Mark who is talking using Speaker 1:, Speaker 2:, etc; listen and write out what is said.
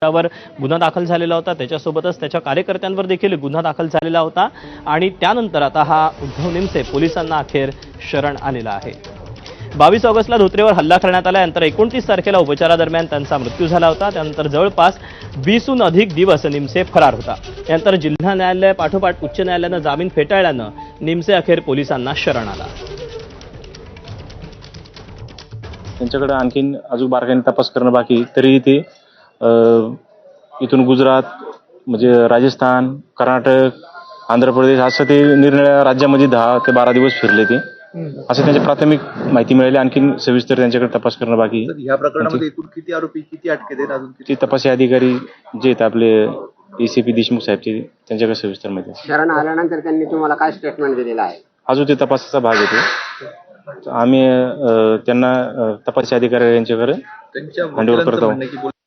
Speaker 1: वर गुन्हा दाखल झालेला होता, त्याच्यासोबतच त्याच्या कार्यकर्त्यांवर देखील गुन्हा दाखल झालेला होता आणि त्यानंतर आता हा उद्धव निमसे पोलिसांना अखेर शरण आलेला आहे। 22 ऑगस्टला धोत्रेवर हल्ला करण्यात आला, नंतर 29 तारखेला उपचारादरम्यान त्यांचा मृत्यू झाला होता। त्यानंतर जवळपास 20हून अधिक दिवस निमसे फरार होता। त्यानंतर जिल्हा न्यायालय पाठोपाठ उच्च न्यायालयानं जामीन फेटाळल्यानं निमसे अखेर पोलिसांना शरण आला।
Speaker 2: त्यांच्याकडे आणखीन अजून बारकाईने तपास करणं बाकी, तरी ते इथून गुजरात म्हणजे राजस्थान, कर्नाटक, आंध्र प्रदेश असं ते निरनिराळ्या राज्यामध्ये 10 ते 12 दिवस फिरले ते, असं त्यांची प्राथमिक माहिती मिळाली। आणखीन सविस्तर त्यांच्याकडे तपास करणं बाकी।
Speaker 3: या प्रकरणामध्ये एकूण किती आरोपी, किती अटकेत आहेत, अजून
Speaker 2: ते तपासी अधिकारी जे आहेत आपले एसीपी देशमुख साहेब त्यांच्याकडे सविस्तर माहिती।
Speaker 4: शरण आल्यानंतर त्यांनी तुम्हाला काय स्टेटमेंट दिलेलं आहे?
Speaker 2: अजून ते तपासाचा भाग येतो। आम्ही त्यांना तपासी अधिकारी यांच्याकडे हँडओव्हर करतो।